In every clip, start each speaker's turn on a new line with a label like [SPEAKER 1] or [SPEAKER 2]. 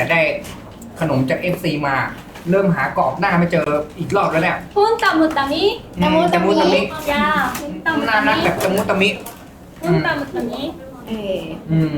[SPEAKER 1] แต่ได้ขนมจาก FC มาเริ่มหากรอบหน้าไม่เจออีกรอบแล้วเนี่ย
[SPEAKER 2] 훈따무따미
[SPEAKER 1] ตะมุตะมิ
[SPEAKER 2] 야 훈따무따
[SPEAKER 1] น่ารัก
[SPEAKER 2] 미
[SPEAKER 1] แบบตะมุตะมิ
[SPEAKER 2] 훈따무따미
[SPEAKER 1] อืม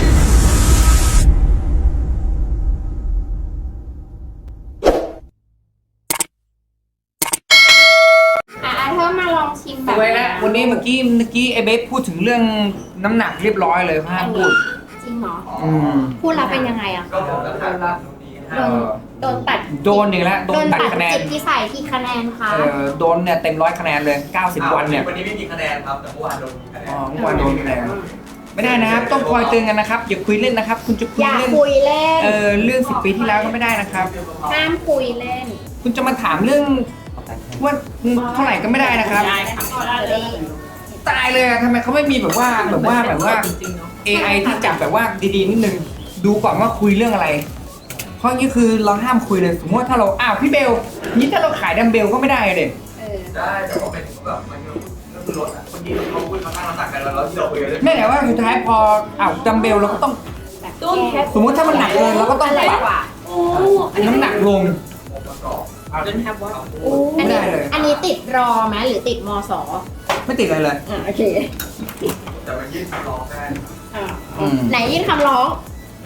[SPEAKER 3] เธอมาลองชิมแบ
[SPEAKER 1] ส
[SPEAKER 3] บ
[SPEAKER 1] วยแล้ววันนี้เมื่อกี้ไอ้เบสพูดถึงเรื่องน้ำหนักเรียบร้อยเลยห้ามพูด
[SPEAKER 3] จริงเหรอ
[SPEAKER 1] อืม
[SPEAKER 3] พูดแล้วเป็นยังไงอะ
[SPEAKER 4] ก็ผมแล้วครับ
[SPEAKER 3] โดนตัด
[SPEAKER 1] โดนอีกแล้วโดนตัดคะแนน
[SPEAKER 3] จิตที่ใส่ที่คะแนนคะ
[SPEAKER 1] โดนเนี่ยเต็ม100คะแนนเลย90วันเนี่ย
[SPEAKER 4] วันนี้ไม่มีคะแนนครับแต่เมื่อวานโดนคะแนน
[SPEAKER 1] อ๋อเมื่อวานโดนคะแนนไม่ได้นะครับต้องคอยเตือนกันนะครับอย่าคุยเล่นนะครับ คุณจะคุ
[SPEAKER 3] อย ย่า
[SPEAKER 1] เล่น
[SPEAKER 3] คุยเล่น
[SPEAKER 1] เรื่อง10 ปีที่แล้วก็ไม่ได้นะครับ
[SPEAKER 3] ห้ามคุยเล่น
[SPEAKER 1] คุณจะมาถามเรื่องว่าเท่าไหร่ก็ไม่ได้นะครับ ตายเลยอะทำไมเขาไม่มีแบบว่า AI ที่จับแบบว่าดีๆนิดนึงดูก่อนว่าคุยเรื่องอะไร เพราะงี้คือเราห้ามคุยเลยสมมติว่าถ้าเราอ้าวพี่เบลนี่ถ้าเราขายดัมเบลก็ไม่ได้เด็
[SPEAKER 4] ได้แต่ว่าเป็นแบบมันก็คือรถอ่ะคนที่เขาพูดเขาตั้งน้ำหนักกันแล้วที่เราคุยกันเลย
[SPEAKER 1] แม่แต่ว่าสุดท้ายพออ้าวดัมเบลเราก็ต้อง
[SPEAKER 2] Don't have
[SPEAKER 1] สมมติถ้ามันหนักเกินเราก็ต้องปรับ
[SPEAKER 2] 오
[SPEAKER 1] น้ำหนักลง
[SPEAKER 4] องค์ประกอบ
[SPEAKER 2] Don't have what
[SPEAKER 3] อันนี้
[SPEAKER 1] ได้เลย
[SPEAKER 3] อันนี้ติดรอไหมหรือติดมส
[SPEAKER 1] ไม่ติดอะไรเลย
[SPEAKER 3] โอเค
[SPEAKER 4] แต่มันยื่นคำร้องได้
[SPEAKER 3] ไหนยื่นคำร้อง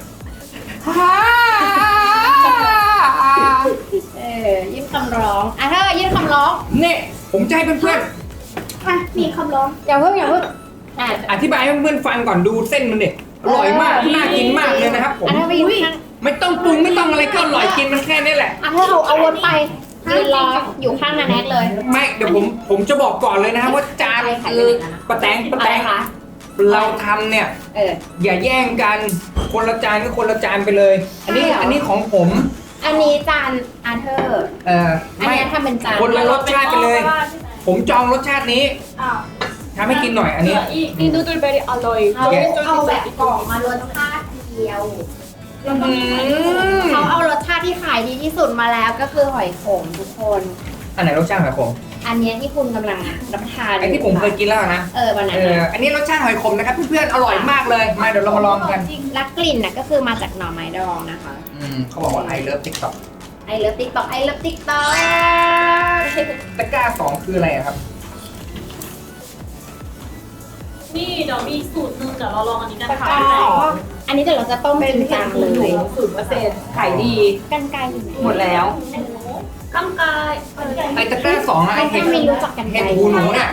[SPEAKER 3] ยื่นคำร้องเธอยื่นคำร้อง
[SPEAKER 1] เนี่ยผมจะให้เพื่อน
[SPEAKER 3] มีคำร้องอย่าเพิ่งอ่ะ
[SPEAKER 1] ๆอธิบายให้เพื่อนๆฟังก่อนดูเส้นมันเด็อร่อยมากน่ากินมากเลยนะครับผม
[SPEAKER 3] เธอไปอยู่ข้าง
[SPEAKER 1] ไม่ต้องปรุงไม่ต้องอะไรก็อร่อยกินมันแค่นี้แหละ
[SPEAKER 3] เธอเอาวนไปยืนรออยู่ข้างนาแนทเลย
[SPEAKER 1] ไม่เดี๋ยวผมจะบอกก่อนเลยนะครับว่าจานคือปะแตง
[SPEAKER 3] อะไรคะ
[SPEAKER 1] เราทำเนี่ย
[SPEAKER 3] เออ
[SPEAKER 1] อย่าแย่งกันคนละจานก็คนละจานไปเลย อันนี้
[SPEAKER 3] ใช่เหรอ
[SPEAKER 1] อันนี้ของผม
[SPEAKER 3] อันนี้จานเธอ อัน
[SPEAKER 1] ไม่
[SPEAKER 3] นี้ทำเป็นจาน
[SPEAKER 1] คนละรสชาติไปเลย ผมจองรสชาตินี้ทำให้กินหน่อยอันนี้
[SPEAKER 2] 이 누들 베리 알로이
[SPEAKER 3] เอาแบบกล่องมารสชาติเดียว เขาเอารสชาติที่ขายดีที่สุดมาแล้วก็คือหอยขมทุกคน
[SPEAKER 1] อันไหนรสชาติหอยขม
[SPEAKER 3] อันเนี้ยที่คุณกำลังรับประทาน
[SPEAKER 1] ไอ้ที่ผมเคยกินแล้วนะ
[SPEAKER 3] วันนั้น
[SPEAKER 1] อันนี้รสชาติหอยขมนะครับเพื่อนๆอร่อยมากเลยมาเดี๋ยวเรามาลองกัน
[SPEAKER 3] และกลิ่นน่ะก็คือมาจากหน่อไม้ดองนะคะ
[SPEAKER 1] เขาบอกว่าไอเลิฟติ๊กต็อก
[SPEAKER 3] ไอเลิฟติ๊กต็อกไอเลิฟติ๊กต็อก
[SPEAKER 1] ตะกร้า2คืออะไรอะครับ
[SPEAKER 2] นี่เดี๋ยวมีสูตรหนึงเดี๋ยวเราลองอันนี้กัน
[SPEAKER 3] แล้ว
[SPEAKER 2] ค่ะ
[SPEAKER 3] ก็อันนี้เดี๋ยวเราจะต้มจริงจังเลย
[SPEAKER 5] ขายดี
[SPEAKER 3] กันไกลอยู่ไหน
[SPEAKER 5] หมดแล้ว
[SPEAKER 2] กำกาย
[SPEAKER 1] ไอตะกร้า2อะไอ
[SPEAKER 3] ไม่
[SPEAKER 1] เห็ด
[SPEAKER 3] มีรู้จักกันไก
[SPEAKER 1] เห็
[SPEAKER 3] ล
[SPEAKER 1] ดหูหนูเนี่ย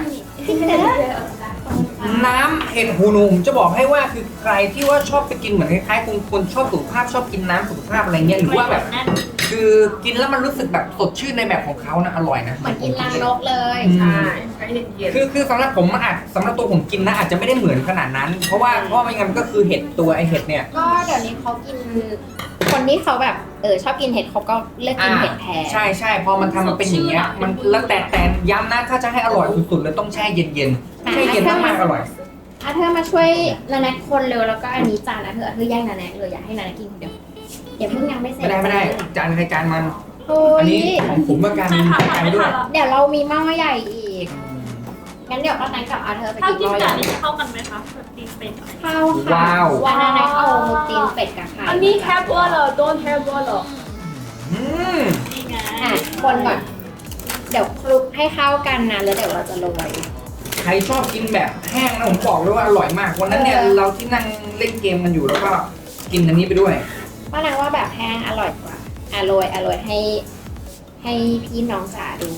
[SPEAKER 1] น้ำเห็ดหูหนูผมจะบอกให้ว่าคือใครที่ว่าชอบไปกินเหมือนคล้ายๆคนชอบสุขภาพชอบกินน้ำสุขภาพอะไรเงี้ยหรือว่าแบบ
[SPEAKER 2] แน่น
[SPEAKER 1] คือกินแล้วมันรู้สึกแบบสดชื่นในแบบของเขานะอร่อยนะ
[SPEAKER 3] เหมือนกินรังนกเลย
[SPEAKER 5] ใช่ใช้เย็น
[SPEAKER 1] คือสำหรับผมมันอาจสำหรับตัวผมกินนะอาจจะไม่ได้เหมือนขนาดนั้น เพราะว่าไม่งั้นมันก็คือเห็ดตัวไอเห็ดเนี่ย
[SPEAKER 3] ก็เดี๋ยวนี้เขากิน คนที่เขาแบบชอบกินเห็ดเขาก็เลือกกินเห็ดแทน
[SPEAKER 1] ใช่พอมันทำมันเป็นอย่างเงี้ยมันแล้วแต่ย้ำนะถ้าจะให้อร่อยสุดๆเลยต้องแช่เย็นๆแช่เย็นมากๆอร่อย
[SPEAKER 3] เธอมาช่วยนาแนทคนเร็วแล้วก็อันนี้จานเธอแย่งนาแนทเลยอยากให้นาแนทกินคนเดียวอย่าเพิ่งยังไม่เสร็จ
[SPEAKER 1] ไม่ได้จานใครจานมัน
[SPEAKER 3] โอ้
[SPEAKER 1] อัน
[SPEAKER 3] ย
[SPEAKER 1] นี้ของผมกับการ
[SPEAKER 2] ใช่ค่ะ
[SPEAKER 1] จาน
[SPEAKER 2] ไม่
[SPEAKER 1] ด้วย
[SPEAKER 2] ทันแล้ว
[SPEAKER 3] เดี๋ยวเรามีหม้อใหญ่อีกงั้นเดี๋ยวป้าแตงกับเธอไป
[SPEAKER 2] ถ้า
[SPEAKER 3] กิน
[SPEAKER 2] กิ
[SPEAKER 3] ห
[SPEAKER 2] น
[SPEAKER 3] ม้อให
[SPEAKER 2] กับ
[SPEAKER 3] ญ่
[SPEAKER 2] อันนี้เข้ากันไหมคะแบบตีนเป็ดอะไร
[SPEAKER 3] ข้าวค่ะวันนาแนทเอาตีนเป็ดกับไข่
[SPEAKER 2] อันนี้ have water don't have water
[SPEAKER 1] อืม
[SPEAKER 2] นี่ไง
[SPEAKER 3] คนก่อนเดี๋ยวคลุกให้เข้ากันนะแล้วเดี๋ยวเราจะโรย
[SPEAKER 1] ใครชอบกินแบบแห้งนะผมบอกเลยว่าอร่อยมากวันนั้นเนี่ยเราที่นั่งเล่นเกมกันอยู่แล้วก็กินอันนี้ไปด้วย
[SPEAKER 3] ป้าแตงว่าแบบแห้งอร่อยกว่าโรยให้พี่น้องจ๋าดู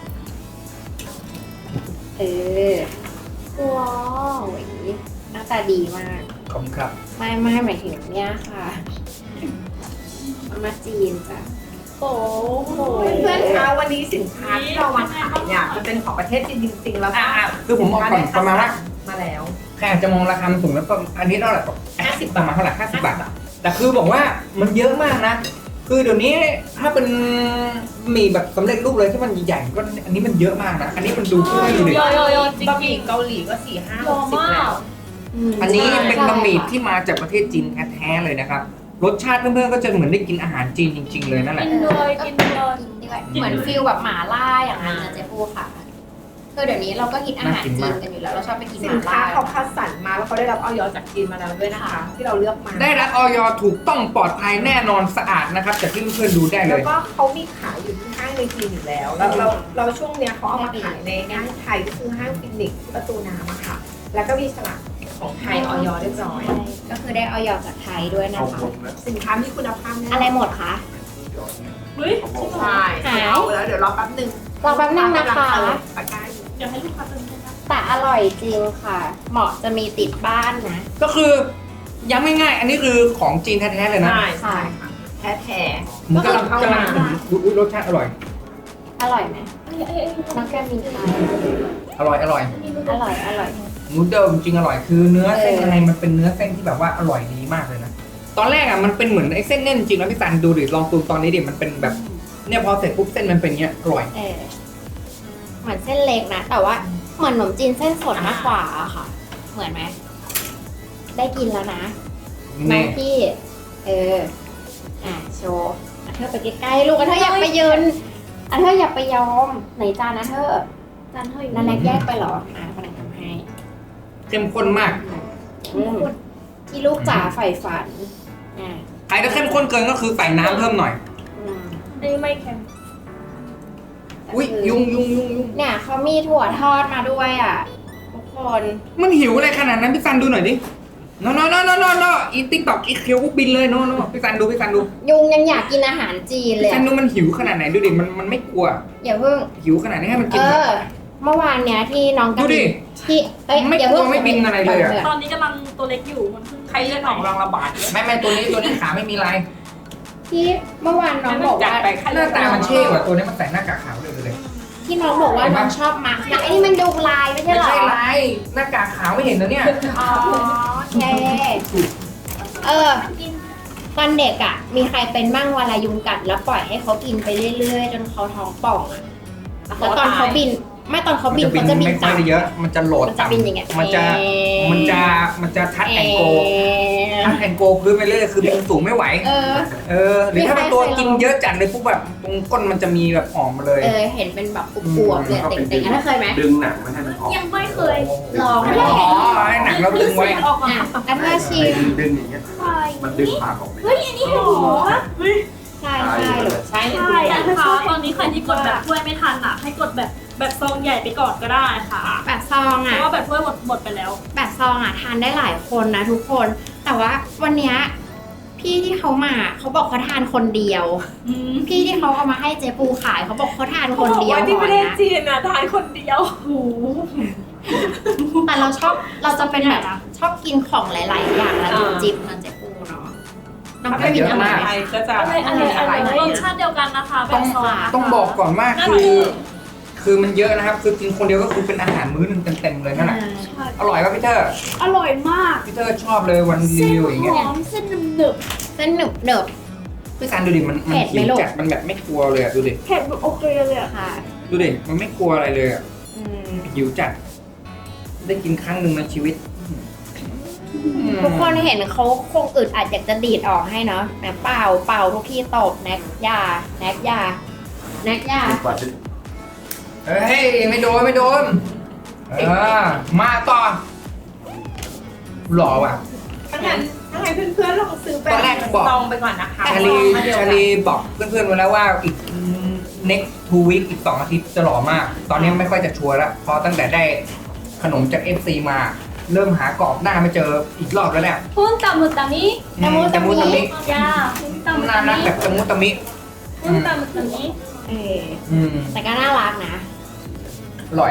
[SPEAKER 3] ว้าวหน้าตาดีมาก
[SPEAKER 1] ขอบคุณครับ
[SPEAKER 3] ไม่หมายถึงเนี่ยค่ะมาจีนจ้ะ
[SPEAKER 2] โอ้โห
[SPEAKER 5] ๆเพื่อนๆคะวันนี้สินค้าที่เรามาขายเนี่ยมันเป็นของประเทศจีนจริงๆแล้วก็
[SPEAKER 1] คือผมบอกก่อนประมาณว่า
[SPEAKER 5] มาแล้ว
[SPEAKER 1] ใครอาจจะมองราคามันสูงแล้วก็อันนี้เท่าไหร่50บาทมาเท่าไหร่50 บาทแต่คือบอกว่ามันเยอะมากนะ คือเดี๋ยวนี้ถ้าเป็นหมี่แบบสำเร็จรูปเลยที่มันใหญ่ๆก็อันนี้มันเยอะมากนะ อันนี้มันดูขึ้นดูดิ
[SPEAKER 2] เยอะๆจริง
[SPEAKER 5] บะหมี่เกาหลีก็4-5
[SPEAKER 2] ๆรอ
[SPEAKER 5] 60
[SPEAKER 2] มา
[SPEAKER 5] แล้ว
[SPEAKER 2] ก
[SPEAKER 1] อันนี้เป็นบะหมี่ที่มาจากประเทศจีนแท้ๆเลยนะครับ รสชาติเพื่อนๆก็จะเหมือนได้กินอาหารจีนจริง ๆ เลยนั่นแหละ
[SPEAKER 2] กินเลย
[SPEAKER 3] กินด้วยเหมือนฟิลแบบหม่าล่าอย่างนั้นนะเจ๊ปูค่ะคือเดี๋ยวนี้เราก็กินอาหาร
[SPEAKER 1] น่ากิน
[SPEAKER 3] จี
[SPEAKER 1] มาก
[SPEAKER 3] นกันอยู่แล้วเราชอบไปกินห
[SPEAKER 5] สิ
[SPEAKER 3] ม่าน
[SPEAKER 5] ค้า
[SPEAKER 3] ล่า
[SPEAKER 5] เขาคัดสรรมาแล้วเขาได้รับออยจากจีนมาแล้วด้วยนะคะ ที่เราเลือกมา
[SPEAKER 1] ได้รับออยถูกต้องปลอดภัยแน่นอนสะอาดนะครับจากที่เพื่อนๆดูได้เล
[SPEAKER 5] แล้ว
[SPEAKER 1] ย
[SPEAKER 5] ก็เขามีขายอยู่ที่ห้างในจีนอยู่แล้วเราช่วงเนี้ยเขาเอามาขายในห้างไทยก็คือห้างฟินิกซ์ที่ประตูน้ำอะค่ะ แล้วก็มีฉลากของไทยออยเรียบร้อย
[SPEAKER 3] ใช่ก็คือได้ออยจากไทยด้วยนะ
[SPEAKER 4] เอา
[SPEAKER 3] คะ
[SPEAKER 4] คนนะ
[SPEAKER 5] สินค้ามีคุณภาพแน่
[SPEAKER 3] อะไรหมดคะ
[SPEAKER 2] เฮ้ย
[SPEAKER 5] ใช่เอาแล้วเดี๋ยวรอแป๊บนึง
[SPEAKER 3] รอแป๊บนึงนะคะ
[SPEAKER 5] ปากกาอยู่
[SPEAKER 2] เดี๋ยวให้ลูกค้าเติมให้นะ
[SPEAKER 3] แต่อร่อยจริงค่ะ เหมาะจะมีติดบ้านนะ
[SPEAKER 1] ก็คือย้ำง่ายๆอันนี้คือของจีนแท้ๆเลยนะ
[SPEAKER 5] ใช่ค่ะแท้
[SPEAKER 1] มันกำลัง
[SPEAKER 5] ก็คือเข้ามา
[SPEAKER 1] อุ๊ยรสชาติอร่อย
[SPEAKER 3] อร่อยไหมน้องแก้มมีค่ะ
[SPEAKER 1] อร่อยอร่อย
[SPEAKER 3] อร่อยอร่อย
[SPEAKER 1] นูเดิลจริงๆอร่อยคือเนื้อเส้น
[SPEAKER 3] เออ
[SPEAKER 1] อะไรมันเป็นเนื้อเส้นที่แบบว่าอร่อยดีมากเลยนะตอนแรกอ่ะมันเป็นเหมือนไอ้เส้นเน่นจริงแล้วพี่ซันดูดิลองตูตอนนี้ดิมันเป็นแบบเนี่ยพอเสร็จปุ๊บเส้นมันเป็นเงี้ยอร่อย
[SPEAKER 3] เหมือนเส้นเล็กนะ แต่ว่าเหมือนขนมจีนเส้นสดมากกว่าอะค่ะ เหมือนไหมได้กินแล้วนะน้
[SPEAKER 1] แน่
[SPEAKER 3] องพี่ โชว์อ่ะเธอไปใกล้ๆลูกอ่ะเธออยากไปยืนอ่ะเธออยากไปยอมไหนจานนะเธอ
[SPEAKER 2] จานเท่าอยู่
[SPEAKER 3] นันแนกแยกไปเหรอคนไหนทำให้
[SPEAKER 1] เข้มข้นมาก
[SPEAKER 3] อืมที่ลูกจ๋าใฝ่ฝันอ่ะ
[SPEAKER 1] ใครถ้าเข้มข้นเกินก็คือใส่น้ำเพิ่มหน่อย
[SPEAKER 3] อืม
[SPEAKER 2] ได้ไม่เค็ม
[SPEAKER 1] อุ้ยยุง
[SPEAKER 3] เนี่ยเขามีถั่วทอดมาด้วยอ่ะทุกคน
[SPEAKER 1] มันหิวอะไรขนาดนั้นพี่ซันดูหน่อยดิโนอีติ๊กตอกอีเคียวกูบินเลยโนพี่ซันดู
[SPEAKER 3] ยุงยังอยากกินอาหารจีนเลย
[SPEAKER 1] พี่ซัน
[SPEAKER 3] อะ
[SPEAKER 1] ดูมันหิวขนาดไหนดูดิมันไม่กลัว
[SPEAKER 3] อย่าเพิ่ง
[SPEAKER 1] หิวขนาดนี้ให้มันกิน
[SPEAKER 3] เมื่อวานเนี้ยที่น้องกระ
[SPEAKER 1] ดูดิ
[SPEAKER 3] ที่เอ้ย
[SPEAKER 1] ไม่
[SPEAKER 3] อย่าก เพิ่
[SPEAKER 1] ลั
[SPEAKER 3] ง
[SPEAKER 1] วไม่บินอะไรเลยอะ
[SPEAKER 2] ตอนนี้กำลังตัวเล็กอยู่มันเพิ่ง
[SPEAKER 5] ๆใครเลือกของรางระบาด
[SPEAKER 1] ไม่ตัวนี้ขาไม่มีลาย
[SPEAKER 3] ที่เมื่อวานน้องบอกว่า
[SPEAKER 1] หน้าตามันเช่กว่าตัวนี้มันใส่หน้ากากขาวเลย
[SPEAKER 3] ที่น้องบอกว่าน้องชอบมาร์กหน้าไอ้นี่มันดูลายไม่ใช่
[SPEAKER 1] ไม่
[SPEAKER 3] เหรอ
[SPEAKER 1] ใช่ลายหน้ากากขาวไม่เห็นแล้วเนี่ย
[SPEAKER 3] อ๋อโอเคตอนเด็กอ่ะ มีใครเป็นบ้างเวลายุงกัดแล้วปล่อยให้เขากินไปเรื่อยๆจนเขาท้องป่องอ่ะแล้วตอนเขาบินไม่ตอนเขาบินเขาจะบิน
[SPEAKER 1] ไม่ค่อยได้เยอะ มันจะโหลด
[SPEAKER 3] มันจะบินอย่างเงี้ย
[SPEAKER 1] มันจะทัดแอนโกพื้นไปเรื่อยคือบินสูงไม่ไหว หรือถ้าเป็นตัวกินเยอะจัดเลยปุ๊บแบบตรงก้นมันจะมีแบบออกมาเลย
[SPEAKER 3] เห็นเป็นแบบอวบๆเลยเต่งๆอันนั้นเคยไหม
[SPEAKER 4] ดึงหนังไม่ให้มันออก
[SPEAKER 2] ยังไม่เคย
[SPEAKER 3] ลอง
[SPEAKER 1] อ๋อให้หนังเราดึงไว้
[SPEAKER 2] ออกมา
[SPEAKER 3] อ่ะแล้วถ้าชิม
[SPEAKER 4] ดึงอย่างเงี้ยมันดึงปากออกไป
[SPEAKER 2] เฮ้ยอันนี้หรอเฮ้ย
[SPEAKER 3] ใช่หรือใช่
[SPEAKER 2] ใช่นะคะตอนนี้ใครที่กดแบบถ้วยไม่ทันอ่ะให้กดแบบซองใหญ่ไปก่อนก็ได้ค่ะ
[SPEAKER 3] แบบซอง
[SPEAKER 2] เพ
[SPEAKER 3] อ่ะ
[SPEAKER 2] ราะว่าแบบถ้วยหมดไปแล้ว
[SPEAKER 3] แบบซองอ่ะทานได้หลายคนนะทุกคน แต่ว่าวันเนี้ยพี่ที่เขามาเขาบอกเขาทานคนเดียว พี่ที่เขาเอามาให้เจ๊ปูขายเขาบอกเขาทานคนเดียว
[SPEAKER 5] ที่ประเทศ
[SPEAKER 3] นะ
[SPEAKER 5] จีนอ่ะทานคนเดียว
[SPEAKER 3] แต่เราจะเป็นแบบชอบกินของหลาย ๆ อย่างแล้วจิบมันเจ๊ปูเนาะน้องก็กินอะไร
[SPEAKER 5] ไทยก็จะ
[SPEAKER 2] อะไรรสชาติเดียวกันนะคะแบบซอง
[SPEAKER 1] ต้องบอกก่อนว่าคือมันเยอะนะครับ คือกินคนเดียวก็คือเป็นอาหารมื้อหนึงเต็มๆเลยนั่นแหละอร่อยป่ะพี่เตอร์
[SPEAKER 2] อร่อยมาก
[SPEAKER 1] พี่เตอร์ชอบเลยวันรีวิวอย่างเงี้ย
[SPEAKER 2] หอมเส้นหนึบ
[SPEAKER 3] เส้นหนึบเนิบ
[SPEAKER 1] พี่ซันดูดิมัน
[SPEAKER 3] เผ็ดไหม
[SPEAKER 1] หิว
[SPEAKER 3] ลูก
[SPEAKER 1] จัดมันแบบไม่กลัวเลยอ่ะดูดิ
[SPEAKER 2] ๆเผ็ดแบบโอเคเลยอ่ะ
[SPEAKER 3] ค่ะ
[SPEAKER 1] ดูดิมันไม่กลัวอะไรเลยอ่ะหิวจัดได้กินครั้งหนึ่งในชีวิต
[SPEAKER 3] ทุกคนเห็นเขาคงอึดอัดอยากจะดีดออกให้เนาะแต่เป่าทุกที่ตบแน็กยา
[SPEAKER 1] เฮ้ยไม่โดนมาต่อหล่อว่ะ
[SPEAKER 5] ถ้างั้นเพื่อนๆลองซื้อไป
[SPEAKER 1] ตอนแรกบอก
[SPEAKER 5] ลองไปก่อนนะคะ
[SPEAKER 1] ชาลีบอกเพื่อนๆไว้แล้วว่าอีก next 2 week อีก2 อาทิตย์จะหล่อมาก ตอนนี้ไม่ค่อยจะชัวร์แล้วเพราะตั้งแต่ได้ขนมจาก FC มาเริ่มหากรอบหน้าไม่เจออีกรอบแล้วแหละ
[SPEAKER 2] พุ่นตามุตามิ
[SPEAKER 1] ตะมุตะมิ
[SPEAKER 2] ยาพุ่นตามุ
[SPEAKER 1] น่า
[SPEAKER 2] ตา
[SPEAKER 1] รัก
[SPEAKER 2] มิ
[SPEAKER 1] แบบตะมุตะมิ
[SPEAKER 2] พุ่นตามุตามิ
[SPEAKER 3] แต่ก็น่ารักนะ
[SPEAKER 1] อร่อย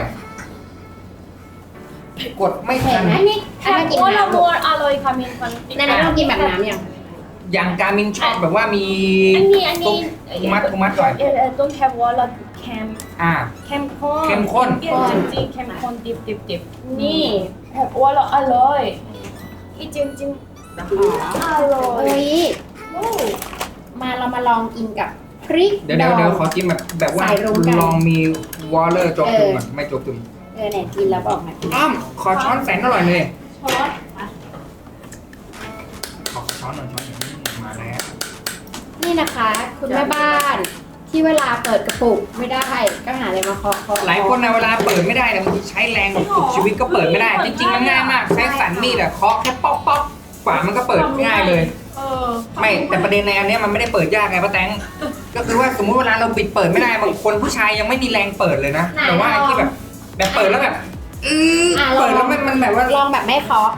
[SPEAKER 1] กดไม่
[SPEAKER 3] เห็
[SPEAKER 1] ทั
[SPEAKER 3] น
[SPEAKER 1] น
[SPEAKER 3] ไหมนี่
[SPEAKER 2] แค่
[SPEAKER 3] ถ้ากิน
[SPEAKER 2] โอลา
[SPEAKER 3] น้ำ
[SPEAKER 2] โมอร่อยค่ะมินฟัน
[SPEAKER 3] ในนั้นเรากินแบบน้ำยัง
[SPEAKER 1] อย่างการมินชอบแบบว่ามี
[SPEAKER 2] อันนี้
[SPEAKER 1] ทุกมัดหน่อย
[SPEAKER 2] don't have water เค็ม เข้มข้น
[SPEAKER 1] เข้มข้น
[SPEAKER 2] เปรี้ยวจริงๆเข้มข้นดิบนี่แบบว่าเราอร่อยอีจริงๆอร่อย
[SPEAKER 3] เอ้ยเรามาลองกินกับพริก
[SPEAKER 1] เดี๋ยวขอกินแบบว่า
[SPEAKER 3] ใส่รวมกัน
[SPEAKER 1] ลองมีวอลเลอร์โจกตึมอ่ะไม่โจกตึม
[SPEAKER 3] เนี่ยกินแล้วบอกมากิน
[SPEAKER 1] อ้อมขอช้อนแสนอร่อยเลย
[SPEAKER 2] ช้อน
[SPEAKER 1] ขอช้อนหน่อยมาแล้ว
[SPEAKER 3] นี่นะคะ คุณแม่บ้านทที่เวลาเปิดกระปุกไม่ได้ก็หาอะไรมาเคาะ
[SPEAKER 1] หลายคนนะเวลาเปิดไม่ได้เนี่ยบางทีใช้แรงแบบสุดชีวิตก็เปิดไม่ได้ จริงๆมันง่ายมากใช้สันมีดอะเคาะแค่ป๊อกป๊อกกว่ามันก็เปิดง่ายเลย ไม่แต่ประเด็นในอันเนี้ยมันไม่ได้เปิดยากไงป้าแตงก็คือว่าสมมุติเวลาเราปิดเปิดไม่ได้บางคนผู้ชายยังไม่มีแรงเปิดเลยนะแต่ว่าไอ้ที่แบบเปิดแล้วแบบเปิดแล้วมันแบบว่า
[SPEAKER 3] ลองแบบไม่เคาะ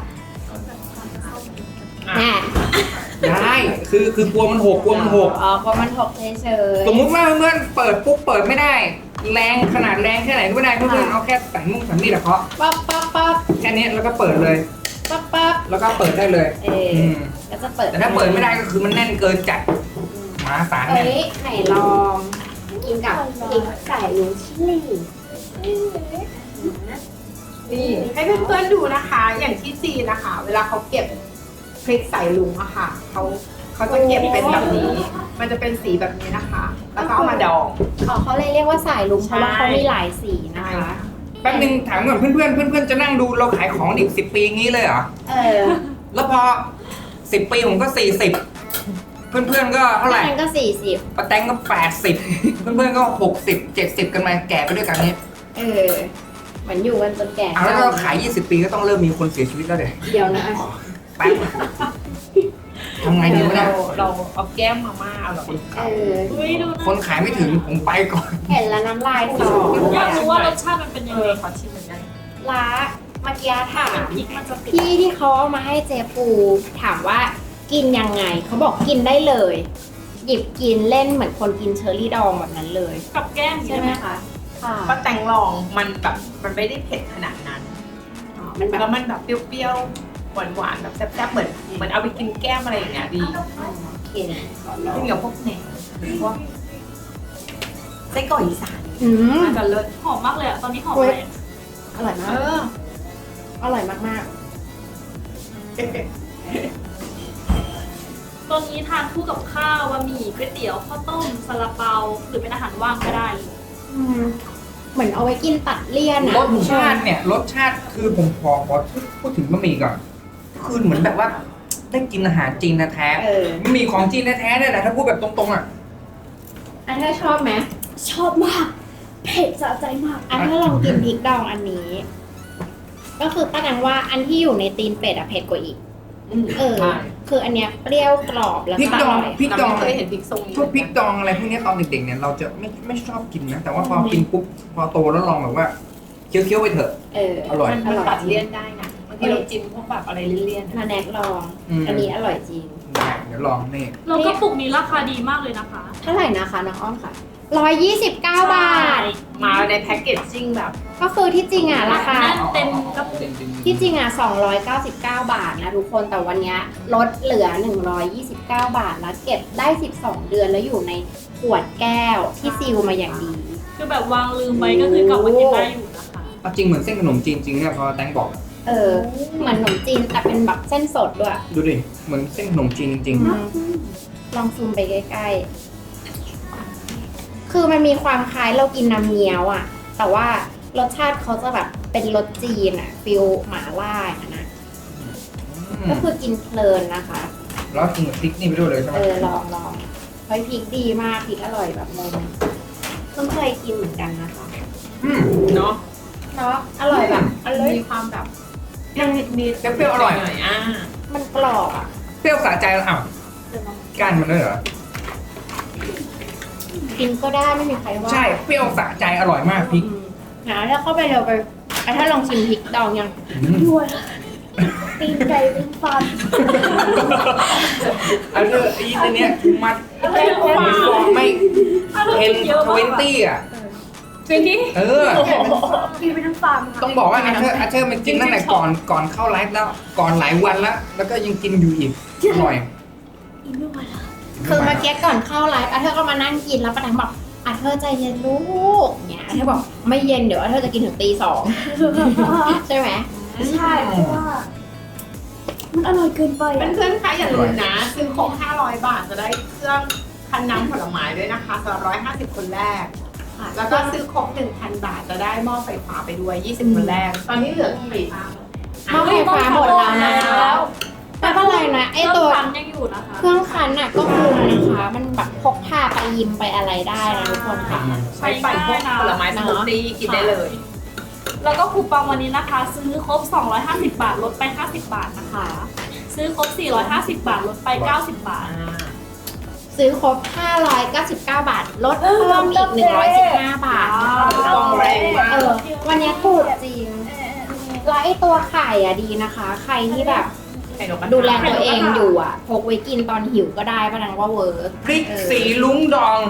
[SPEAKER 3] แน่
[SPEAKER 1] ได้คือกลัวมันหกกลัวมันหก
[SPEAKER 3] อ๋อกลัวมันหกเฉย
[SPEAKER 1] สมมุติว่าเพื่อนเปิดปุ๊บเปิดไม่ได้ แรงขนาดแรงแค่ไหนก็ไม่ได้เพื่อนเอาแค่สันมุ้งสันมีดอะเคาะ
[SPEAKER 3] ปั๊บปั๊บปั๊บ
[SPEAKER 1] แค่นี้แล้วก็เปิดเลย
[SPEAKER 3] ปั๊บปั๊บ
[SPEAKER 1] แล้วก็เปิดได้เลย ม
[SPEAKER 3] ก็จะเปิด
[SPEAKER 1] แต่ถ้าเปิดไม่ได้ก็คือมันแน่นเกินจัดมหาศาล
[SPEAKER 3] เอ้
[SPEAKER 1] เนี่ย
[SPEAKER 3] ยไหนลองกินกับพริกใส่ลูชิลี่
[SPEAKER 5] นี่ให้เพื่อนๆดูนะคะ อย่างที่จีนนะคะ เวลาเขาเก็บพริกใส่ลุงอะค่ะเขาจะเก็บเป็นแบบนี้ มันจะเป็นสีแบบนี้นะคะ แล้วก็เอามาดอง
[SPEAKER 3] อ๋อเขาเลยเรียกว่าสายลุงเพ
[SPEAKER 5] ใช่
[SPEAKER 3] ราะว่าเขามีหลายสีนะคะ
[SPEAKER 1] แป๊บนึงถามก่อนเพื่อนๆจะนั่งดูเราขายของอีก10 ปีงี้เลยเหรอ แล้วพอ10 ปีผมก็40เพื่อนๆก็เท่าไหร่
[SPEAKER 3] นั่นก็40
[SPEAKER 1] ป้าแตงก็80เพื่อนๆก็60 70กันมาแก่ไปด้วยกันนี้
[SPEAKER 3] เหมือนอยู่กันจนแก่
[SPEAKER 1] เอาแล้วเราขาย20 ปีก็ต้องเริ่มมีคนเสียชีวิตแล้วเดี๋ยว
[SPEAKER 3] เดี๋ยวนะ
[SPEAKER 1] แป๊บทำไงดีวะเนี่ย
[SPEAKER 5] เราเอาแก้มมาม่าอร่อย
[SPEAKER 2] อุ้ยดูนะ
[SPEAKER 1] คนขายไม่ถึงผมไปก่อน
[SPEAKER 3] เห็นแล้วน้ำลายสอ
[SPEAKER 2] อยากรู้ว่ารสชาติมันเป็นยังไง
[SPEAKER 5] ขอชิมเหมือนกัน
[SPEAKER 3] ล้าเมื่อกี้ถาม
[SPEAKER 2] พริกมันจะติด
[SPEAKER 3] พี่ที่เขาเอามาให้เจปูถามว่ากินยังไงเขาบอกกินได้เลย หยิบกินเล่นเหมือนคนกินเชอร์รี่ดองแบบนั้นเลย
[SPEAKER 2] กับแก้ม
[SPEAKER 3] ใช่
[SPEAKER 2] ใช่
[SPEAKER 3] ไห
[SPEAKER 2] ไห
[SPEAKER 3] ม
[SPEAKER 2] ม
[SPEAKER 3] คะค่ะ
[SPEAKER 5] ก็แตงลองมันแบบมันไม่ได้เผ็ดขนาดนั้น
[SPEAKER 3] มันแบบ
[SPEAKER 5] แล้วมันแบบเปรี้ยวๆหวานๆแบบแซ่บๆเหมือนเอาไปกินแก้มอะไรอย่างเงี้ยดี
[SPEAKER 3] โอเค
[SPEAKER 5] กินกับพวกแหนมหรือพวกไส้กรอกอีสาน น่าจะเลิศ
[SPEAKER 2] หอมมากเลยอะตอนนี้หอมเลย
[SPEAKER 3] อร่อยมากอร่อยมาก
[SPEAKER 2] ตอนนี้ทานคู่กับข้าวบะหมี่ก๋วยเตี๋ยวข้าวต้มซาลาเปาหรือเป็นอาหารว่างก็ได้เลย
[SPEAKER 3] ๆเหมือนเอาไว้กินตัดเลี่ยนอะ
[SPEAKER 1] รสชาติเนี่ยรสชาติคือผมขอพูดถึงบะหมี่ก่อนคือเหมือนแบบว่าได้กินอาหารจีนแท้ๆบะหมี่ของจีนแท้ๆเนี่ยแหละถ้าพูดแบบตรงๆอ่ะ
[SPEAKER 3] อันนี้ชอบไหม
[SPEAKER 2] ชอบมาก เผ็ดสะใจมาก
[SPEAKER 3] อันนี้ลองกินพริกดองอันนี้ ก็คือป้านังว่าอันที่อยู่ในตีนเป็ดอะเผ็ดกว่าอีก คืออันเนี้ยเปรี้ยวกรอบแล้ว
[SPEAKER 1] พริก
[SPEAKER 3] ก็
[SPEAKER 1] ด
[SPEAKER 3] อ
[SPEAKER 1] อง
[SPEAKER 3] ร่อย
[SPEAKER 1] พริกดอง
[SPEAKER 5] เคยเห็นพริกทรงนี้
[SPEAKER 1] พวกพริกดองอะไรพวกเนี้ยตอนเด็กๆเนี่ยเราจะไม่ชอบกินนะแต่ว่าพอกินปุ๊บพอโตแล้วลองแบบว่าเคี้ยวๆไปเถอะ อร่อย
[SPEAKER 5] มันตัดเลี่ยนได้นะบางทีเราจิ้มพวกแบบอะไรเลี่ยนๆ
[SPEAKER 3] มาแนะลอง
[SPEAKER 1] อืม
[SPEAKER 3] อันนี้อร่อยจริง
[SPEAKER 1] เดี๋ยวลองนี่
[SPEAKER 2] แล้วก็ปุกนี้ราคาดีมากเลยนะคะ
[SPEAKER 3] เท่าไหร่นะคะน้องอ้อมค่ะ129 บาท
[SPEAKER 5] มาในแพ็กเกจจิ้งแบบ
[SPEAKER 3] ก็คือที่จริงอ่ะราคา
[SPEAKER 2] แน่นเต็มกระปุก
[SPEAKER 3] ที่จริงอ่ะ299 บาทนะทุกคนแต่วันเนี้ยลดเหลือ129 บาทแล้วเก็บได้12 เดือนแล้วอยู่ในขวดแก้วที่ซีลมาอย่างดี
[SPEAKER 2] คือแบบวางลืมไปก็คือกลับมากินได้อยู่นะคะ
[SPEAKER 1] เอาจริงเหมือนเส้นขนมจีนจริงเนี่ยพอแตงบอก
[SPEAKER 3] เหมือนขนมจีนแต่เป็นแบบเส้นสดด้วย
[SPEAKER 1] ดูดิเหมือนเส้นขนมจีนจริง
[SPEAKER 3] ลองซูมไปใกล้ๆ คือมันมีความคล้ายเรากินน้ำเงี้ยวอ่ะ แต่ว่ารสชาติเขาจะแบบเป็นรสจีนอ่ะฟิลหม่าล่าอะนะ
[SPEAKER 1] ๆ
[SPEAKER 3] ก็คือกินเพลินนะคะ
[SPEAKER 1] แล้วกินกับพริกนี่ไปด้วยเลยใช่ไหม
[SPEAKER 3] ลองเฮ้ยพริกดีมากพริกอร่อยแบบงงเพิ่งเคยกินเหมือนกันนะคะ
[SPEAKER 5] เนาะ
[SPEAKER 3] เนาะอร่อยแบบอร่อย
[SPEAKER 5] มีความแบบยังนิดๆ
[SPEAKER 1] เปรี้ยวๆอร่อย
[SPEAKER 5] หน่อยๆ
[SPEAKER 3] มันกรอบอ่ะ
[SPEAKER 1] เปรี้ยวสะใจแล้วอ้าวก้านมันด้วยเหรอ
[SPEAKER 3] กินก็ได้ไม่มีใครว่า
[SPEAKER 1] ใช่เปรี้ยวสะใจอร่อยมากพริก
[SPEAKER 3] นะถ้าเข้าไปเร็วไปถ้าลองชิมพริกดองยัง
[SPEAKER 2] ด้วยตีนไก่เป็นฟัน
[SPEAKER 1] อันนี้ไอ้เนี้ยมัดมีฟองไม่เอ็น20อ่ะ
[SPEAKER 5] จริงดิ
[SPEAKER 2] กินไปทั้งฟาร์ม
[SPEAKER 1] ต้องบอกว่าอาเธอร์มันกินตั้งแต่ก่อนเข้าไลฟ์แล้วก่อนหลายวันแล้วก็ยังกินอยู่อีกอร่อย
[SPEAKER 2] อีกไม่ไหวแล้ว
[SPEAKER 3] คือเมื่อกี้ก่อนเข้าไลฟ์อาเธอร์ก็มานั่งกินแล้วป้าแตงบอกอาเธอร์ใจเย็นลูกเนี่ยอาเธอร์บอกไม่เย็นเดี๋ยวอาเธอร์จะกินถึงตี 2 ใช่ไหม
[SPEAKER 2] ใช่เพราะว่า มันอร่อยเกินไปอะ
[SPEAKER 5] เพื่อนๆคะอย่าลืมนะ ซื้อครบ500 บาทจะได้เครื่องคั้นน้ำผลไม้ด้วยนะคะสำหรับ150 คนแรก แล้วก็ซื้อครบ 1,000 บาทจะได้หม้อไฟฟ้าไปด้วย 20 คนแรก ตอนนี้เหลือกี่
[SPEAKER 3] หม้อไฟฟ้าหมดแล้วนะ
[SPEAKER 2] แล้ว
[SPEAKER 3] ไปไม่เป็นไรนะไอตัว
[SPEAKER 2] คันยังอยู่นะคะ
[SPEAKER 3] เครื่องคั้นน่ะก็คุ้มนะคะ มันแบบพกพาไปยิมไปอะไรได้นะทุกคนค่ะ
[SPEAKER 5] ใช้ปั่นพวกผลไม้สมูทตี้กินได้เลย
[SPEAKER 2] แล้วก็คูปองวันนี้นะคะ ซื้อครบ 250 บาทลดไป 50 บาทนะคะ ซื้อครบ 450 บาทลดไป 90 บาท
[SPEAKER 3] ซื้อครบ 599 บาท ลดเพิ่มอีก 115 บาทนะคะ
[SPEAKER 5] กองแรงมาก
[SPEAKER 3] วันนี้ถูกจริง แล้วไอตัวไข่อะดีนะคะ ใครที่แบบ
[SPEAKER 5] ไข่นกกระทา
[SPEAKER 3] ดูแลตัวเองอยู่อะพกไว้กินตอนหิวก็ได้ป้านังว่าเวิร์ก
[SPEAKER 1] พริกสีลุงดอง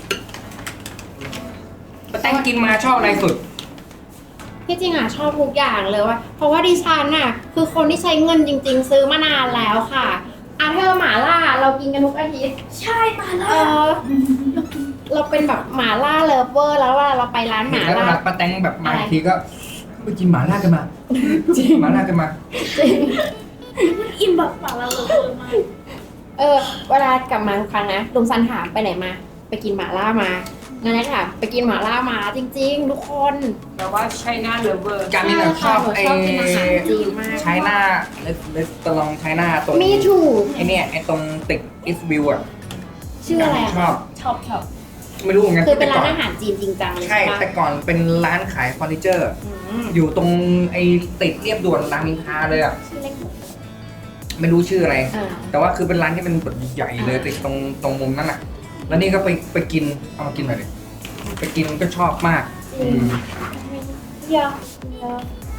[SPEAKER 1] ป้าแตงกินมาชอบอะไรสุด
[SPEAKER 3] ที่จริงอะชอบทุกอย่างเลยว่า เพราะว่าดิฉันอะคือคนที่ใช้เงินจริง ๆ ซื้อมานานแล้วค่ะอาเธอร์หมาล่าเรากินกันทุกอาทิตย์
[SPEAKER 2] ใช่มาแล้ว
[SPEAKER 3] เราเป็นแบบหมาล่าเลิฟเวอร์แล้วเวลาเราไปร้านห
[SPEAKER 1] เห็น
[SPEAKER 3] มา
[SPEAKER 1] แล้ว
[SPEAKER 3] ล่า
[SPEAKER 1] ป้าแตงแบบมาทีก็ไปกินหมาล่ากันมาหมาล่ากันมา
[SPEAKER 2] อิ่มแบบปากเราเลยมาก
[SPEAKER 3] เวลากลับมาทุกครั้งนะลุงซันถามไปไหนมา ไปกินหมาล่ามางั้นนะค่ะไปกินหมาล่ามาจริง ๆ ทุกคน
[SPEAKER 5] แต่ว่าใช่หน้าเลเวอร์
[SPEAKER 1] การมินชอบไอ้
[SPEAKER 3] ชอบกินอาหารจีนมาก
[SPEAKER 1] ใช้หน้าเลสตลองใช้หน้าตรง
[SPEAKER 3] มีถูก
[SPEAKER 1] ไอ้เนี่ยไอ้ตรงตึกอิสวิวอ่ะ
[SPEAKER 3] ชื่ออะไร
[SPEAKER 1] ชอบ
[SPEAKER 2] ชอบ
[SPEAKER 1] ไม่รู้เหมือนกัน
[SPEAKER 3] คือเป็นร้าน
[SPEAKER 1] แต่ก่
[SPEAKER 3] อาหารจีนจริงจังเลย
[SPEAKER 1] ใช่
[SPEAKER 3] ใช่
[SPEAKER 1] แต่
[SPEAKER 3] ปะ
[SPEAKER 1] ก่อนเป็นร้านขายเฟอร์นิเจอร์
[SPEAKER 3] อืม
[SPEAKER 1] อยู่ตรงไอ้ติดเรียบด่วนรามอินทราเลยอ่ะ
[SPEAKER 3] ชื่อเล็ก
[SPEAKER 1] ไม่รู้ชื่ออะไร
[SPEAKER 3] อ่า
[SPEAKER 1] แต่ว่าคือเป็นร้านที่เป็นแบบใหญ่เลยติดตรงมุมนั่นอ่ะ แล้วนี่ก็ไปกินเอามากินหน่อยดิไปกินก็ชอบมากอืม
[SPEAKER 3] เยอะเยอะ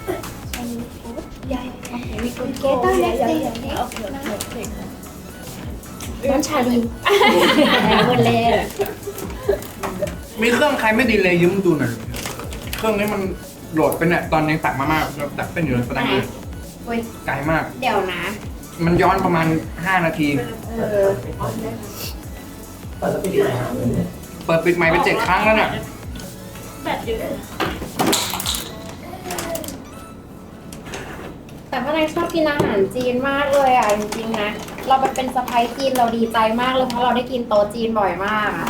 [SPEAKER 3] มีคนเกตเตอร์เล็กน้ำชาลีเมื่อเล่
[SPEAKER 1] มีเครื่องใครไม่ดีเลยยืมดูหน่อยเครื่องนี้มันโหลดเป็นเนี่ยตอนยังตักมาม่าเราตักเป็นอยู่เลยประดังเลย
[SPEAKER 3] เว้ย
[SPEAKER 1] ไกลมาก
[SPEAKER 3] เดี๋ยวนะ
[SPEAKER 1] มันย้อนประมาณ 5 นาที
[SPEAKER 4] เปิดสปีดไหนครับ
[SPEAKER 1] เปิดปิดไมค์ไป7 ครั้งแล้วเนี่ย
[SPEAKER 2] แบบเยอะ
[SPEAKER 3] แต่พ่อนายชอบกินอาหารจีนมากเลยอ่ะจริงๆนะ เราไปเป็นสะพ้ายจีนเราดีใจมากเลยเพราะเราได้กินโต๊ะจีนบ่อยมากอ่ะ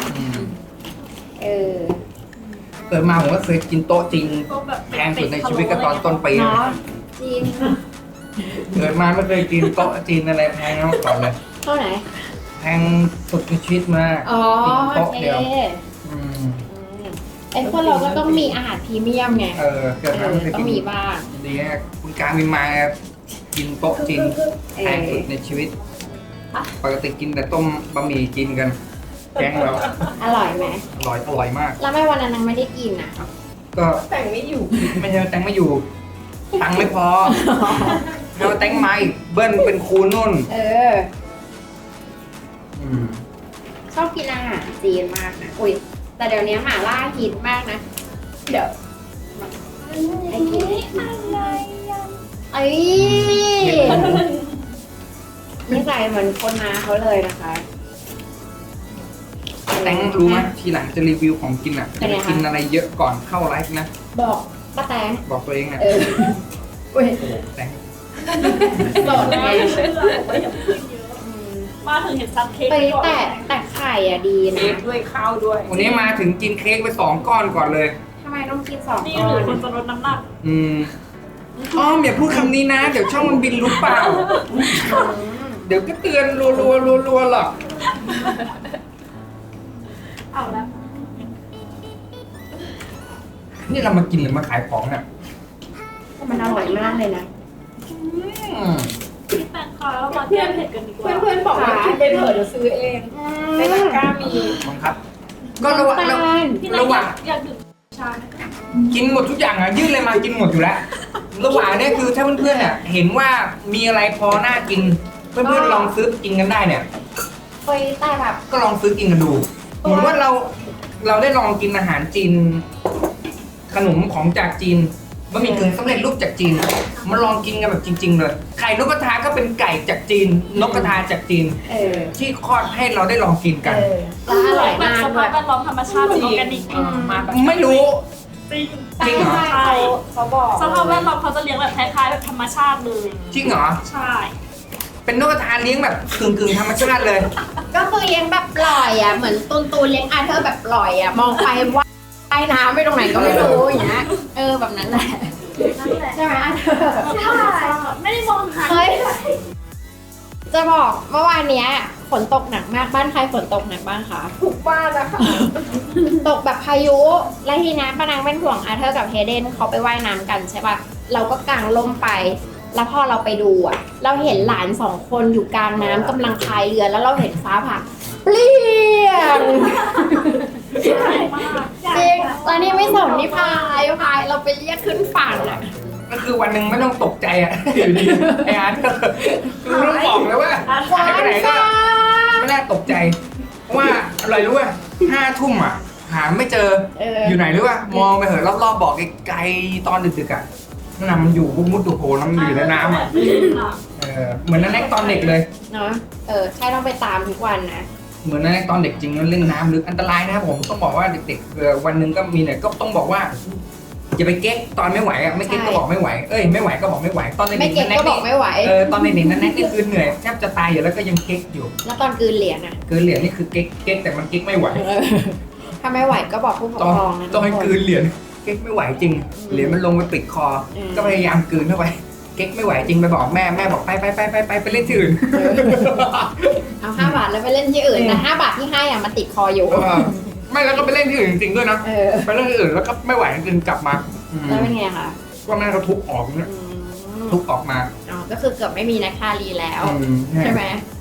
[SPEAKER 1] เกิดมาผมก็เคยกินโต๊ะจีน
[SPEAKER 2] ก็แบบ
[SPEAKER 1] แพงสุดในชีวิตก็ตอนต้นปี
[SPEAKER 3] เนาะจีน
[SPEAKER 1] เกิดมาไม่เคยกินโต๊ะจีนอะไรแพงมาก่อนเลย
[SPEAKER 3] เท่าไหน
[SPEAKER 1] แพงสุดในชีวิตมาก
[SPEAKER 3] อ๋อ
[SPEAKER 1] กิน
[SPEAKER 3] โอ
[SPEAKER 1] โต๊ะ
[SPEAKER 3] เค
[SPEAKER 1] เดียวอืม
[SPEAKER 3] ไอ้พวกเราก็ต้องมีอาหารพรีเมียมไง
[SPEAKER 1] เกิดมาไม่เคย
[SPEAKER 3] ต้อ
[SPEAKER 1] กิ
[SPEAKER 3] ง
[SPEAKER 1] น
[SPEAKER 3] มีบ้าง
[SPEAKER 1] ดีฮะคุณการมินมากินโต๊ะจีนแพงสุดในชีวิต ปกติกินแต่ต้มบะหมี่กินกันแกงเรา
[SPEAKER 3] อร่อยไหม
[SPEAKER 1] อร่อยมาก
[SPEAKER 3] แล้วไม่วันนั้นนางไม่ได้กินอ่ะ
[SPEAKER 1] ก็
[SPEAKER 5] แต่งไม่อยู่
[SPEAKER 1] ไม่ใช่ว่าแตงไม่อยู่ ตังค์ไม่พอเราแตงไม่เบิ้ลเป็นครูนุ่น อืม
[SPEAKER 3] ชอบกินอาหารจีนมากนะ อุ้ย แต่เดี๋ยวนี้หม่าล่าฮิตมากนะ เดี๋ยวไอ้กินไอ้นี่ใส่เหมือนคนนาเขาเลยนะคะ
[SPEAKER 1] แตงรู้ไหมทีหลังจะรีวิวของกินอ่ะ
[SPEAKER 3] เป็นไงคะ
[SPEAKER 1] กินอะไรเยอะก่อนเข้าไลฟ์นะ
[SPEAKER 3] บอกป้าแตง
[SPEAKER 1] บอกตัวเองอ่ะ
[SPEAKER 3] อุ้ย
[SPEAKER 1] โอ้โหแตง
[SPEAKER 3] สดไง
[SPEAKER 2] มาถึงเห็นซับเค้ก
[SPEAKER 3] ไปแต่ไข่อ่ะดี
[SPEAKER 5] เค้
[SPEAKER 3] นะ
[SPEAKER 5] กด้วยข้าวด้วย
[SPEAKER 1] วันนี้มาถึงกินเค้กไป2 ก้อนก่อนเลย
[SPEAKER 3] ทำไมต้องกิน2
[SPEAKER 2] นี่
[SPEAKER 3] ก้อ
[SPEAKER 2] หรือน คนจะลดน้ำหนัก
[SPEAKER 1] อืมอ้อมอย่าพูดคำนี้นะ เดี๋ยวช่องมันบินรู้เปล่า เดี๋ยวก็เตือนรัวหรอก
[SPEAKER 2] เอาละ
[SPEAKER 1] นี่เรามากินหรือมาขายของเนี่ย
[SPEAKER 3] มันอร่อยมากเลยนะ
[SPEAKER 1] อืม
[SPEAKER 2] พี่แตงค่ะเรามาเที่ยวเผ็ดกันดีกว่า
[SPEAKER 5] เพื่อนๆบอกว่ากินไปเถอะเดี๋ยวซื้อเองในตะกร้ามี
[SPEAKER 1] บังคับ ก็ระหว่าง
[SPEAKER 2] พี่แต
[SPEAKER 1] ระ
[SPEAKER 2] ง
[SPEAKER 1] หว่าง
[SPEAKER 2] อยากดื่มชาไหม
[SPEAKER 1] กินหมดทุกอย่างอ่ะยื่นเลยมากินหมดอยู่แล้ว ระหว่างเนี้คือถ้าเพื่อนๆเนี่ยเห็นว่ามีอะไรพอน่ากิน เพื่อนๆลองซื้อกินกันได้เนี่ย
[SPEAKER 3] ไปแต่แบบ
[SPEAKER 1] ก็ลองซื้อกินกันดู เหมือนว่าเราได้ลองกินอาหารจีน ขนมของจากจีนบะหมี่กึ่งสำเร็จรูปจากจีนมาลองกินกันแบบจริง ๆ เลยไข่นกกระทาก็เป็นไก่จากจีน นกกระทาจากจีน ที่คลอดให้เราได้ลองกินกัน
[SPEAKER 3] แล้วอร่อย
[SPEAKER 2] แบบ
[SPEAKER 3] มาก
[SPEAKER 2] ส
[SPEAKER 3] ด้ว
[SPEAKER 2] ภาย พแวดล้อมธรรมชาติแบบออร์แกนิก
[SPEAKER 5] มาแบบ
[SPEAKER 1] ไม่รู้
[SPEAKER 2] จริง
[SPEAKER 1] จริงเหรอ
[SPEAKER 2] ใช่
[SPEAKER 5] เขาบอก
[SPEAKER 2] สภาพแวดล้อมเขาจะเลี้ยงแบบคล้ายๆแบบธรรมชาติเลย
[SPEAKER 1] จริงเหรอ
[SPEAKER 2] ใช่
[SPEAKER 1] เป็นนกกระทาเลี้ยงแบบกึ่งธรรมชาติเลย
[SPEAKER 3] ก็คือเลี้ยงแบบปล่อยอ่ะ เหมือนตูนเลี้ยงอาเธอร์แบบปล่อยอ่ะ มองไปว่าใต้น้ำไม่ตรงไหนก็ไม่รู้อย่างเงี้ย แบบนั้นแหละ
[SPEAKER 2] นั่นแหละ
[SPEAKER 3] ใช่ไหมอาเธอร์
[SPEAKER 2] ใช่ไม่ได้มองหา
[SPEAKER 3] เฮ้ยจะบอกเมื่อวานเนี้ยฝนตกหนักมากบ้านใครฝนตกหนักบ้างคะ
[SPEAKER 5] ทุกบ้านนะคะ
[SPEAKER 3] ตกแบบพายุแล้วทีนี้ป้านางเป็นห่วงอาเธอร์กับเฮเดนเขาไปว่ายน้ำกันใช่ป่ะเราก็กางร่มไป แล้วพอเราไปดูอ่ะ เราเห็นหลาน2 คนอยู่กลางน้ำกำลังพายเรือแล้วเราเห็นฟ้าผ่าเปลี่ยนจริงแล้วนี่ไม่สนนี่พายเราไปเรียกขึ้นฝั่งอ่ะ
[SPEAKER 1] ก็คือวันหนึ่งไม่ต้องตกใจอ่ะ อยู่ดีไอ้อาร์ตก็คือรู้บอกเลยว่าหายไปไหนก็ไม่น่าตกใจเพราะว่าอะไรรู้ป่ะ5 ทุ่มอ่ะหาไม่เจออยู่ไหนรู้ป่ะมองไปเหอะรอบๆบอกไกลๆตอนดึกๆอ่ะนั่นน่ะมันอยู่มุดๆโผล่แล้วมันอยู่ในน้ำอ่ะเหมือนนั่นแรกตอนเด็กเลย
[SPEAKER 3] เนาะใช่ต้องไปตามทุกวันนะ
[SPEAKER 1] เหมือนนั่นแรกตอนเด็กจริงแล้วเล่นน้ำลึกอันตรายนะครับผมต้องบอกว่าเด็กๆวันหนึ่งก็มีเนี่ยก็ต้องบอกว่าอย่าไปเก๊กตอนไม่ไหวอ่ะไม่เก๊กก็บอกไม่ไหวไม่ไหวก็บอกไม่ไหวตอนเด็ก
[SPEAKER 3] ไม่เก็บก็บอกไม่ไหว
[SPEAKER 1] ตอนเด็กๆนั่นนี่คือเหนื่อยแทบจะตายอยู่แล้วก็ยังเก๊กอยู่
[SPEAKER 3] แล้วตอนกลืนเหรียญอ่ะ
[SPEAKER 1] เกินเหรียญนี่คือเก๊กแต่มันเก๊กไม่ไหว
[SPEAKER 3] ถ้าไม่ไหวก็บอกผู้ปก
[SPEAKER 1] ต้อง
[SPEAKER 3] ครองนะ
[SPEAKER 1] ต้องให้กลืนเหรียญเก๊กไม่ไหวจริงเหรียญมันลงไปปิดคอ ก็พยายามกลืนเข้าไปเก๊กไม่ไหวจริงไปบอกแม่บอกไปเล่นที่อื่น
[SPEAKER 3] เอา5 บาทแล้วไปเล่นที่อื่นแต่5 บาทที่ให้อ่ะมันติดคออยู่
[SPEAKER 1] ไม่แล้วก็ไปเล่นที่อื่นจริงๆด้วยนะไปเล่นที่อื่นแล้วก็ไม่ไหวจริงกลับมา
[SPEAKER 3] แล้วเป็นไงคะ
[SPEAKER 1] ก็แม่เขาทุบออกเนี่ยทุบออกมา
[SPEAKER 3] อ๋อก็คือเกือบไม่มีนักคารีแล้ว ใช่ไหม